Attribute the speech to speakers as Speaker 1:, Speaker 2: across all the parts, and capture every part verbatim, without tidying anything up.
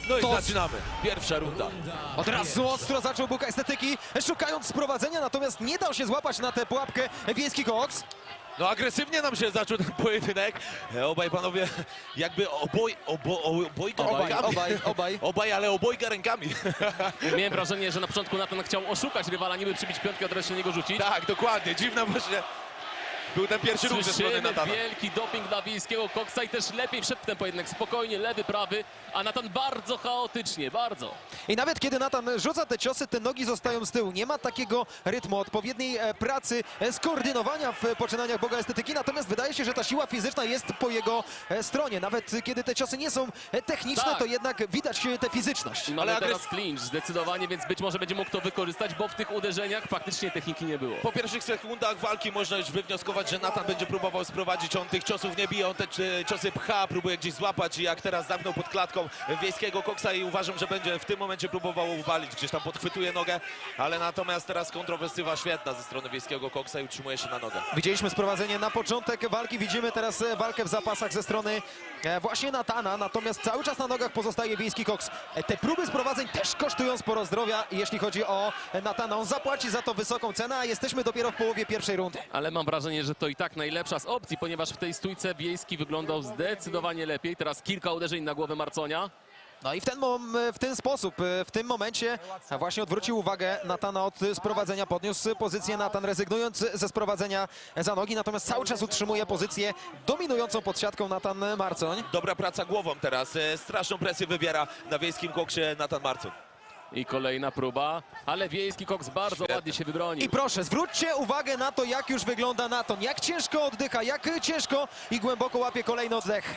Speaker 1: No i
Speaker 2: To-
Speaker 1: zaczynamy. Pierwsza runda.
Speaker 2: Od razu ostro zaczął Buka Estetyki, szukając sprowadzenia, natomiast nie dał się złapać na tę pułapkę Wiejski Koks.
Speaker 1: No agresywnie nam się zaczął ten pojedynek. Obaj panowie jakby oboj, obo, obojga
Speaker 2: Obaj,
Speaker 1: rękami.
Speaker 2: obaj, obaj.
Speaker 1: Obaj, ale obojga rękami.
Speaker 3: Miałem wrażenie, że na początku Natan chciał oszukać rywala, niby przybić piątkę, a teraz się na niego rzucić.
Speaker 1: Tak, dokładnie. Dziwna właśnie. Był ten pierwszy ruch ze strony
Speaker 3: Słyszymy
Speaker 1: Natana.
Speaker 3: wielki doping dla Wiejskiego Koksa i też lepiej wszedł w ten pojedynek. Spokojnie, lewy, prawy, a Natan bardzo chaotycznie, bardzo.
Speaker 2: I nawet kiedy Natan rzuca te ciosy, te nogi zostają z tyłu. Nie ma takiego rytmu, odpowiedniej e, pracy, e, skoordynowania w poczynaniach Boga Estetyki, natomiast wydaje się, że ta siła fizyczna jest po jego e, stronie. Nawet kiedy te ciosy nie są e, techniczne,
Speaker 3: Tak.
Speaker 2: to jednak widać e, tę fizyczność.
Speaker 3: I mamy
Speaker 1: Ale
Speaker 3: teraz
Speaker 1: agres-
Speaker 3: clinch zdecydowanie, więc być może będzie mógł to wykorzystać, bo w tych uderzeniach faktycznie techniki nie było.
Speaker 1: Po pierwszych sekundach walki można już wywnioskować, że Natan będzie próbował sprowadzić. On tych ciosów nie bije, on te e, ciosy pcha, próbuje gdzieś złapać i jak teraz zamknął pod klatką Wiejskiego Koksa i uważam, że będzie w tym momencie próbował uwalić. Gdzieś tam podchwytuje nogę, ale natomiast teraz kontrowersywa świetna ze strony Wiejskiego Koksa i utrzymuje się na nogę.
Speaker 2: Widzieliśmy sprowadzenie na początek walki, widzimy teraz e, walkę w zapasach ze strony e, właśnie Natana, natomiast cały czas na nogach pozostaje Wiejski Koks. E, Te próby sprowadzeń też kosztują sporo zdrowia, jeśli chodzi o e, Natana. On zapłaci za to wysoką cenę, a jesteśmy dopiero w połowie pierwszej rundy.
Speaker 3: Ale mam wrażenie, że to i tak najlepsza z opcji, ponieważ w tej stójce Wiejski wyglądał zdecydowanie lepiej. Teraz kilka uderzeń na głowę Marconia.
Speaker 2: No i w ten, mom- w ten sposób, e, w tym momencie właśnie odwrócił uwagę Natana od sprowadzenia, podniósł pozycję Natan, rezygnując ze sprowadzenia za nogi, natomiast cały czas utrzymuje pozycję dominującą pod siatką Natan Marcoń.
Speaker 1: Dobra praca głową teraz. E, Straszną presję wybiera na Wiejskim Koksie Natan Marcoń.
Speaker 3: I kolejna próba, ale Wiejski Koks bardzo
Speaker 1: Świetnie.
Speaker 3: ładnie się wybronił.
Speaker 2: I proszę, zwróćcie uwagę na to, jak już wygląda Natan, jak ciężko oddycha, jak ciężko i głęboko łapie kolejny oddech.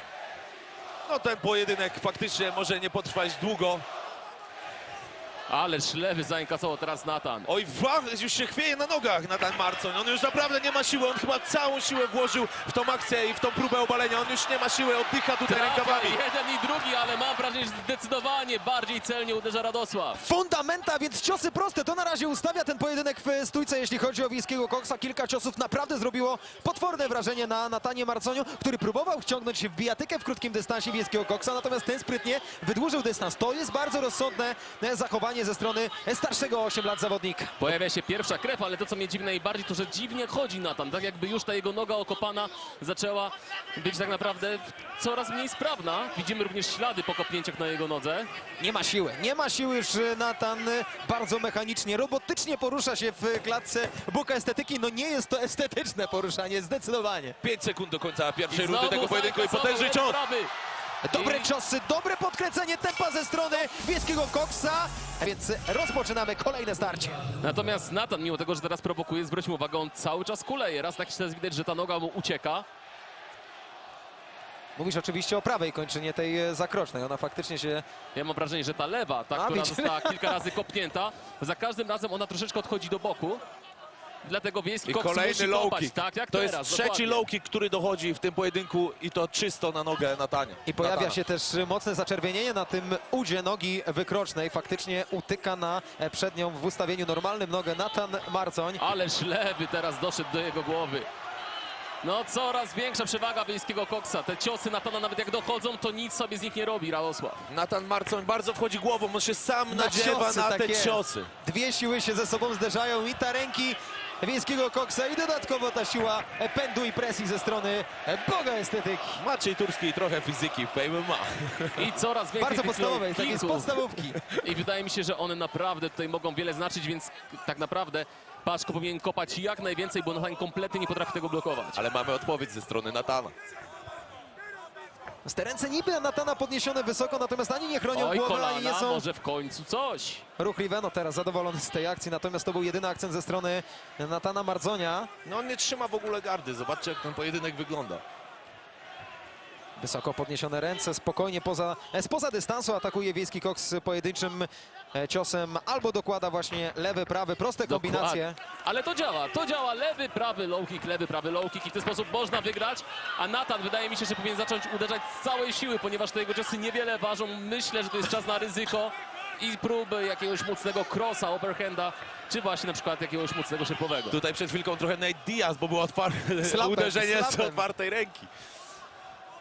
Speaker 1: No ten pojedynek faktycznie może nie potrwać długo.
Speaker 3: Ależ lewy zainkasował teraz Natan.
Speaker 1: Oj, wa- już się chwieje na nogach Natan Marcoń. On już naprawdę nie ma siły. On chyba całą siłę włożył w tą akcję i w tą próbę obalenia. On już nie ma siły, oddycha tutaj
Speaker 3: Trafia
Speaker 1: rękawami.
Speaker 3: jeden i drugi, ale mam wrażenie, że zdecydowanie bardziej celnie uderza Radosław.
Speaker 2: Fundamenta, więc ciosy proste, to na razie ustawia ten pojedynek w stójce, jeśli chodzi o Wiejskiego Koksa. Kilka ciosów naprawdę zrobiło potworne wrażenie na Natanie Marconiu, który próbował wciągnąć w bijatykę w krótkim dystansie Wiejskiego Koksa, natomiast ten sprytnie wydłużył dystans. To jest bardzo rozsądne e, zachowanie ze strony starszego o osiem lat zawodnika.
Speaker 3: Pojawia się pierwsza krew, ale to, co mnie dziwi najbardziej, to, że dziwnie chodzi Natan. Tak jakby już ta jego noga okopana zaczęła być tak naprawdę coraz mniej sprawna. Widzimy również ślady po kopnięciach na jego nodze.
Speaker 2: Nie ma siły, nie ma siły już Natan e, bardzo mechanicznie, robotycznie porusza się w klatce Buka Estetyki. No nie jest to estetyczne poruszanie, zdecydowanie.
Speaker 1: pięć sekund do końca pierwszej
Speaker 3: znowu
Speaker 1: rundy tego pojedynku i
Speaker 3: zainkasował
Speaker 1: potężny
Speaker 3: lewy,
Speaker 1: cios.
Speaker 3: prawy.
Speaker 2: Dobre
Speaker 3: I-
Speaker 2: ciosy, dobre podkręcenie tempa ze strony Wiejskiego Koksa, a więc rozpoczynamy kolejne starcie.
Speaker 3: Natomiast Natan, mimo tego, że teraz prowokuje, zwróćmy uwagę, on cały czas kuleje. Raz na jakiś czas widać, że ta noga mu ucieka.
Speaker 2: Mówisz oczywiście o prawej kończynie tej e, zakrocznej, ona faktycznie się...
Speaker 3: Ja mam wrażenie, że ta lewa, ta,
Speaker 2: A,
Speaker 3: która
Speaker 2: widzicie?
Speaker 3: została kilka razy kopnięta, za każdym razem ona troszeczkę odchodzi do boku. Dlatego Wiejski
Speaker 1: I
Speaker 3: Koks
Speaker 1: kolejny
Speaker 3: musi
Speaker 1: low
Speaker 3: kopać,
Speaker 1: kick.
Speaker 3: tak jak
Speaker 1: To
Speaker 3: teraz.
Speaker 1: jest trzeci
Speaker 3: dokładnie.
Speaker 1: low kick, który dochodzi w tym pojedynku i to czysto na nogę Natanie.
Speaker 2: I pojawia
Speaker 1: Natana.
Speaker 2: się też mocne zaczerwienienie na tym udzie nogi wykrocznej. Faktycznie utyka na e, przednią w ustawieniu normalnym nogę Natan Marcoń.
Speaker 3: Ależ lewy teraz doszedł do jego głowy. No coraz większa przewaga Wiejskiego Koksa. Te ciosy Natana nawet jak dochodzą, to nic sobie z nich nie robi Radosław.
Speaker 1: Natan Marcoń bardzo wchodzi głową, on się sam nadziewa
Speaker 2: ciosy
Speaker 1: na te
Speaker 2: takie.
Speaker 1: ciosy.
Speaker 2: Dwie siły się ze sobą zderzają i ta ręki Wiejskiego Koksa i dodatkowo ta siła e, pędu i presji ze strony e, Boga Estetyki.
Speaker 1: Maciej Turski trochę fizyki w P M M A.
Speaker 3: I coraz więcej
Speaker 2: Bardzo
Speaker 3: tych
Speaker 2: podstawowej,
Speaker 3: low
Speaker 2: takiej z
Speaker 3: kicków.
Speaker 2: podstawówki.
Speaker 3: I wydaje mi się, że one naprawdę tutaj mogą wiele znaczyć, więc tak naprawdę Paszko powinien kopać jak najwięcej, bo Natan kompletnie nie potrafi tego blokować.
Speaker 1: Ale mamy odpowiedź ze strony Natana.
Speaker 2: Te ręce niby Natana podniesione wysoko, natomiast ani nie chronią
Speaker 3: Oj,
Speaker 2: głowy, ani nie
Speaker 3: kolana,
Speaker 2: są
Speaker 3: może w końcu coś.
Speaker 2: ruchliwe. No teraz zadowolony z tej akcji, natomiast to był jedyny akcent ze strony Natana Marconia.
Speaker 1: No on nie trzyma w ogóle gardy, zobaczcie jak ten pojedynek wygląda.
Speaker 2: Wysoko podniesione ręce, spokojnie poza, e, spoza dystansu atakuje Wiejski Koks pojedynczym e, ciosem albo dokłada właśnie lewy, prawy, proste kombinacje.
Speaker 3: Dokładnie. Ale to działa, to działa. Lewy, prawy low kick, lewy, prawy low kick i w ten sposób można wygrać. A Natan wydaje mi się, że powinien zacząć uderzać z całej siły, ponieważ te jego ciosy niewiele ważą. Myślę, że to jest czas na ryzyko i próby jakiegoś mocnego crossa, overhanda, czy właśnie na przykład jakiegoś mocnego szybowego.
Speaker 1: Tutaj przed chwilką trochę Nate Diaz, bo było otwarte
Speaker 2: Slapem,
Speaker 1: uderzenie z
Speaker 2: slapem.
Speaker 1: otwartej ręki.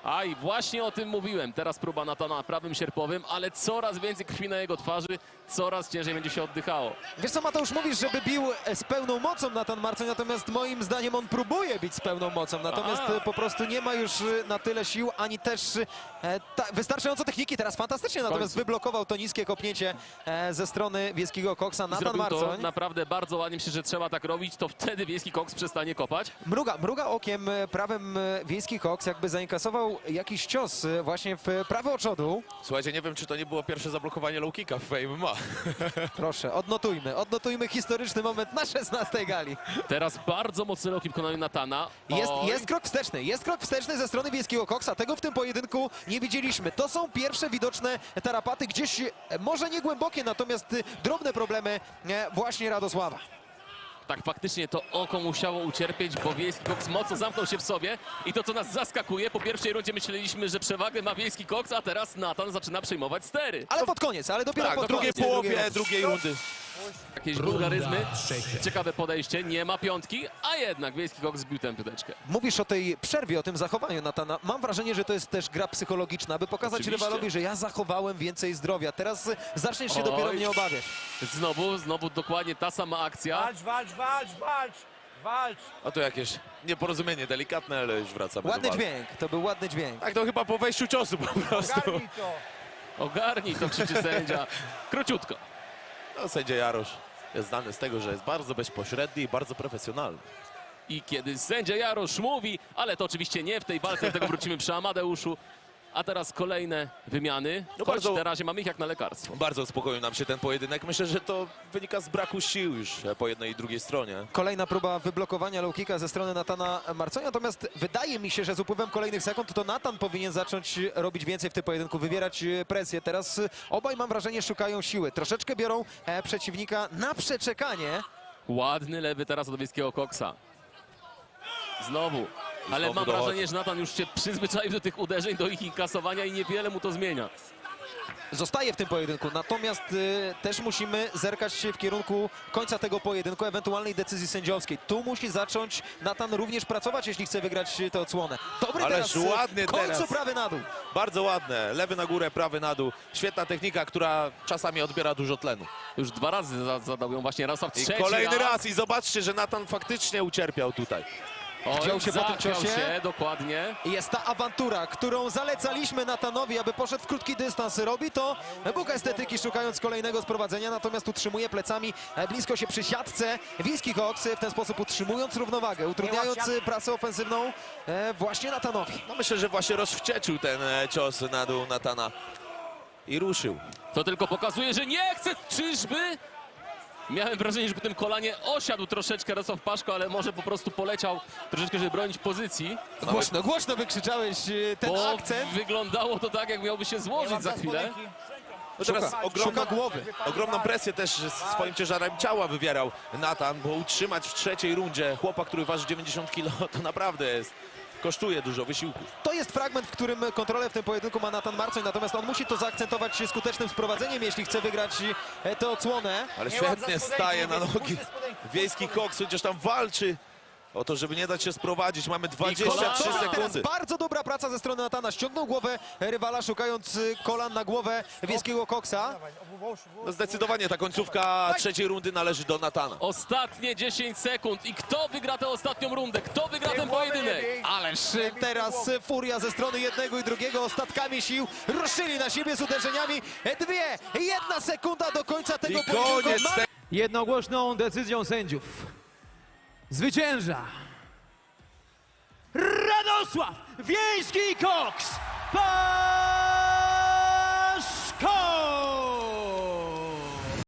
Speaker 3: A i właśnie o tym mówiłem. Teraz próba Natana prawym sierpowym, ale coraz więcej krwi na jego twarzy, coraz ciężej będzie się oddychało.
Speaker 2: Wiesz co, Mateusz, mówisz, żeby bił e, z pełną mocą Natan Marcoń, natomiast moim zdaniem on próbuje bić z pełną mocą, natomiast
Speaker 3: A.
Speaker 2: e, po prostu nie ma już e, na tyle sił, ani też e, ta, wystarczająco techniki. Teraz fantastycznie, natomiast
Speaker 3: końcu.
Speaker 2: wyblokował to niskie kopnięcie e, ze strony Wiejskiego Koksa.
Speaker 3: I
Speaker 2: Natan
Speaker 3: zrobił to
Speaker 2: Marcoń
Speaker 3: naprawdę bardzo ładnie. Myślę, że trzeba tak robić, to wtedy Wiejski Koks przestanie kopać.
Speaker 2: mruga, mruga okiem e, prawym e, Wiejski Koks, jakby zainkasował jakiś cios e, właśnie w e, prawy oczodu.
Speaker 1: Słuchajcie, nie wiem, czy to nie było pierwsze zablokowanie low kicka w M M A.
Speaker 2: Proszę, odnotujmy, odnotujmy historyczny moment na szesnastej gali.
Speaker 3: Teraz bardzo mocny low kick w wykonaniu Natana.
Speaker 2: Jest,
Speaker 3: Oj.
Speaker 2: jest krok wsteczny, jest krok wsteczny ze strony Wiejskiego Koksa. Tego w tym pojedynku nie widzieliśmy. To są pierwsze widoczne tarapaty, gdzieś e, może nie głębokie, natomiast e, drobne problemy e, właśnie Radosława.
Speaker 3: Tak, faktycznie to oko musiało ucierpieć, bo Wiejski Koks mocno zamknął się w sobie. I to, co nas zaskakuje, po pierwszej rundzie myśleliśmy, że przewagę ma Wiejski Koks, a teraz Natan zaczyna przejmować stery.
Speaker 2: Ale pod koniec, ale dopiero
Speaker 1: Tak,
Speaker 2: pod
Speaker 1: w drugiej
Speaker 2: koniec.
Speaker 1: połowie drugiej rundy.
Speaker 3: Jakieś wulgaryzmy, ciekawe podejście, nie ma piątki, a jednak Wiejski Koks zbił tę piąteczkę.
Speaker 2: Mówisz o tej przerwie, o tym zachowaniu Natana. Mam wrażenie, że to jest też gra psychologiczna, aby pokazać
Speaker 3: Oczywiście.
Speaker 2: rywalowi, że ja zachowałem więcej zdrowia. Teraz e, zaczniesz się
Speaker 3: Oj.
Speaker 2: dopiero mnie obawiać.
Speaker 3: Znowu, znowu dokładnie ta sama akcja.
Speaker 4: Walcz, walcz, walcz, walcz, walcz.
Speaker 1: A to jakieś nieporozumienie delikatne, ale już wracamy
Speaker 2: Ładny
Speaker 1: do walki.
Speaker 2: dźwięk, to był ładny dźwięk.
Speaker 1: Tak, to chyba po wejściu ciosu po prostu.
Speaker 4: Ogarnij to.
Speaker 3: Ogarnij to, krzyczy sędzia. Króciutko.
Speaker 1: No, sędzia Jarosz jest znany z tego, że jest bardzo bezpośredni i bardzo profesjonalny.
Speaker 3: I kiedy sędzia Jarosz mówi, ale to oczywiście nie w tej walce, do tego wrócimy przy Amadeuszu. A teraz kolejne wymiany,
Speaker 1: No
Speaker 3: choć
Speaker 1: bardzo-
Speaker 3: na razie mamy ich jak na lekarstwo.
Speaker 1: Bardzo uspokoił nam się ten pojedynek. Myślę, że to wynika z braku sił już po jednej i drugiej stronie.
Speaker 2: Kolejna próba wyblokowania low kicka ze strony Natana Marconia, natomiast wydaje mi się, że z upływem kolejnych sekund to Natan powinien zacząć robić więcej w tym pojedynku, wywierać e, presję. Teraz e, obaj, mam wrażenie, szukają siły. Troszeczkę biorą e, przeciwnika na przeczekanie.
Speaker 3: Ładny lewy teraz od Wiejskiego Koksa. Znowu. Ale
Speaker 1: znowu
Speaker 3: mam
Speaker 1: dochodzi.
Speaker 3: wrażenie, że Natan już się przyzwyczaił do tych uderzeń, do ich inkasowania i niewiele mu to zmienia.
Speaker 2: Zostaje w tym pojedynku, natomiast e, też musimy zerkać się w kierunku końca tego pojedynku, ewentualnej decyzji sędziowskiej. Tu musi zacząć Natan również pracować, jeśli chce wygrać tę odsłonę. Dobry
Speaker 1: Ależ
Speaker 2: teraz, e,
Speaker 1: ładnie
Speaker 2: w końcu
Speaker 1: teraz.
Speaker 2: prawy na dół.
Speaker 1: Bardzo ładne. Lewy na górę, prawy na dół. Świetna technika, która czasami odbiera dużo tlenu.
Speaker 3: Już dwa razy za- zadał ją właśnie Radosław,
Speaker 1: I
Speaker 3: trzeci
Speaker 1: kolejny
Speaker 3: raz.
Speaker 1: raz. I zobaczcie, że Natan faktycznie ucierpiał tutaj.
Speaker 3: Oj,
Speaker 2: Wziął się po tym
Speaker 3: zachwiał
Speaker 2: ciosie.
Speaker 3: się, dokładnie.
Speaker 2: Jest ta awantura, którą zalecaliśmy Natanowi, aby poszedł w krótki dystans. Robi to Bóg estetyki, szukając kolejnego sprowadzenia, natomiast utrzymuje plecami e, blisko się przy siatce. Wiejski Koks w ten sposób utrzymując równowagę, utrudniając e, pracę ofensywną e, właśnie Natanowi.
Speaker 1: No myślę, że właśnie rozwścieczył ten e, cios na dół Natana. I ruszył.
Speaker 3: To tylko pokazuje, że nie chce, czyżby? Miałem wrażenie, że po tym kolanie osiadł troszeczkę Radosław Paszko, ale może po prostu poleciał troszeczkę, żeby bronić pozycji.
Speaker 2: Głośno, głośno wykrzyczałeś e, ten
Speaker 3: Bo
Speaker 2: akcent.
Speaker 3: wyglądało to tak, jak miałby się złożyć za chwilę.
Speaker 1: No teraz
Speaker 2: Szuka,
Speaker 1: ogromną,
Speaker 2: szuka głowy.
Speaker 1: ogromną presję też swoim ciężarem ciała wywierał Natan, bo utrzymać w trzeciej rundzie chłopa, który waży dziewięćdziesiąt kilo, to naprawdę jest, kosztuje dużo wysiłków.
Speaker 2: To jest fragment, w którym kontrolę w tym pojedynku ma Natan Marcoń, natomiast on musi to zaakcentować skutecznym sprowadzeniem, jeśli chce wygrać e, tę odsłonę.
Speaker 1: Ale
Speaker 4: Nie łap
Speaker 1: świetnie
Speaker 4: za spodenki,
Speaker 1: staje na
Speaker 4: mówię,
Speaker 1: nogi.
Speaker 4: puszczę spodenki.
Speaker 1: Wiejski Koks chociaż tam walczy o to, żeby nie dać się sprowadzić. Mamy dwadzieścia trzy
Speaker 3: kolana.
Speaker 2: Teraz
Speaker 1: sekundy.
Speaker 2: bardzo dobra praca ze strony Natana. Ściągnął głowę rywala, szukając y, kolan na głowę Wiejskiego Koksa.
Speaker 4: Dawaj, obu, włóż, włóż.
Speaker 1: No zdecydowanie ta końcówka trzeciej rundy należy do Natana.
Speaker 3: Ostatnie dziesięć sekund i kto wygra tę ostatnią rundę? Kto wygra ten pojedynek?
Speaker 2: Ależ y, teraz y, furia ze strony jednego i drugiego ostatkami sił ruszyli na siebie z uderzeniami. E, Dwie, jedna sekunda do końca tego
Speaker 1: I
Speaker 2: pojedynku.
Speaker 1: koniec
Speaker 2: Ma-
Speaker 1: te...
Speaker 5: Jednogłośną decyzją sędziów zwycięża Radosław Wiejski Koks! Pa!